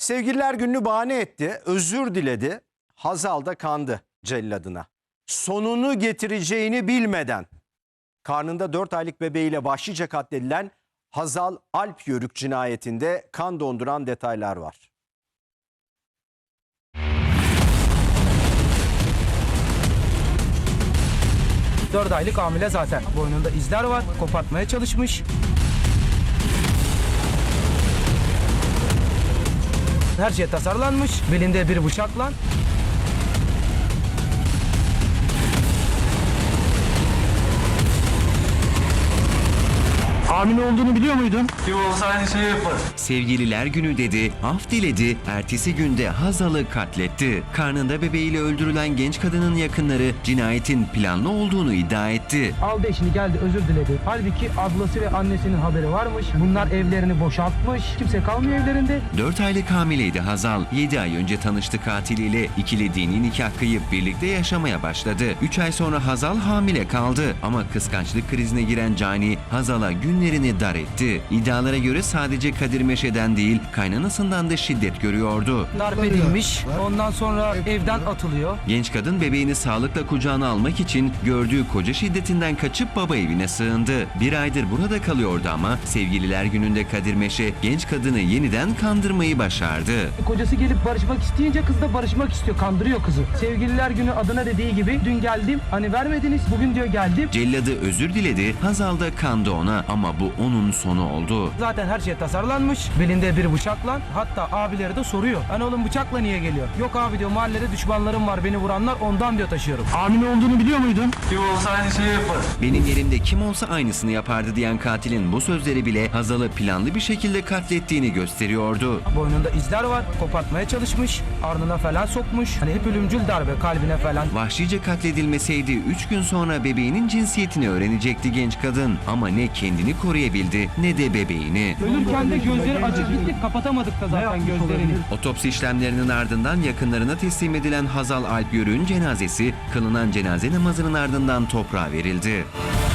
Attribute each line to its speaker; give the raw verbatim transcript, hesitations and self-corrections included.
Speaker 1: Sevgililer gününü bahane etti, özür diledi. Hazal da kandı celladına. Sonunu getireceğini bilmeden karnında dört aylık bebeğiyle vahşice katledilen Hazal Alp Yörük cinayetinde kan donduran detaylar var.
Speaker 2: dört aylık hamile zaten. Boynunda izler var. Kopartmaya çalışmış. Her şey tasarlanmış. Belinde bir bıçakla. Hamile olduğunu biliyor muydun?
Speaker 3: Kim olsa aynı şeyi yapar.
Speaker 4: Sevgililer günü dedi, af diledi, ertesi günde Hazal'ı katletti. Karnında bebeğiyle öldürülen genç kadının yakınları cinayetin planlı olduğunu iddia etti.
Speaker 2: Aldı eşini geldi özür diledi. Halbuki ablası ve annesinin haberi varmış. Bunlar evlerini boşaltmış. Kimse kalmıyor evlerinde.
Speaker 4: dört aylık hamileydi Hazal. yedi ay önce tanıştı katiliyle. İkili dini nikah kıyıp birlikte yaşamaya başladı. üç ay sonra Hazal hamile kaldı. Ama kıskançlık krizine giren Cani Hazal'a günlerini dar etti. İddialara göre sadece Kadir Meşe'den değil, kaynanasından da şiddet görüyordu.
Speaker 2: Darp edilmiş. Ondan sonra evden atılıyor.
Speaker 4: Genç kadın bebeğini sağlıkla kucağına almak için gördüğü koca şiddetinden kaçıp baba evine sığındı. Bir aydır burada kalıyordu ama sevgililer gününde Kadir Meşe genç kadını yeniden kandırmayı başardı.
Speaker 2: Kocası gelip barışmak isteyince kız da barışmak istiyor. Kandırıyor kızı. Sevgililer günü adına dediği gibi dün geldim. Hani vermediniz. Bugün diyor geldim.
Speaker 4: Celladı özür diledi. Hazal da kandı ona ama bu onun sonu oldu.
Speaker 2: Zaten her şey tasarlanmış. Belinde bir bıçakla. Hatta abileri de soruyor. Hani oğlum bıçakla niye geliyor? Yok abi diyor, mahallede düşmanlarım var, beni vuranlar, ondan diyor taşıyorum. Hamile olduğunu biliyor muydun?
Speaker 3: Kim olsa aynı şeyi yapar.
Speaker 4: Benim yerimde kim olsa aynısını yapardı diyen katilin bu sözleri bile Hazal'ı planlı bir şekilde katlettiğini gösteriyordu.
Speaker 2: Boynunda izler var. Kopartmaya çalışmış. Ardına falan sokmuş. Hani hep ölümcül darbe kalbine falan.
Speaker 4: Vahşice katledilmeseydi üç gün sonra bebeğinin cinsiyetini öğrenecekti genç kadın. Ama ne kendini koruyabildi ne de bebeğini.
Speaker 2: Ölürken de gözleri açık gittik. Kapatamadık da zaten gözlerini.
Speaker 4: Otopsi işlemlerinin ardından yakınlarına teslim edilen Hazal Alp Yörük'ün cenazesi kılınan cenaze namazının ardından toprağa verildi.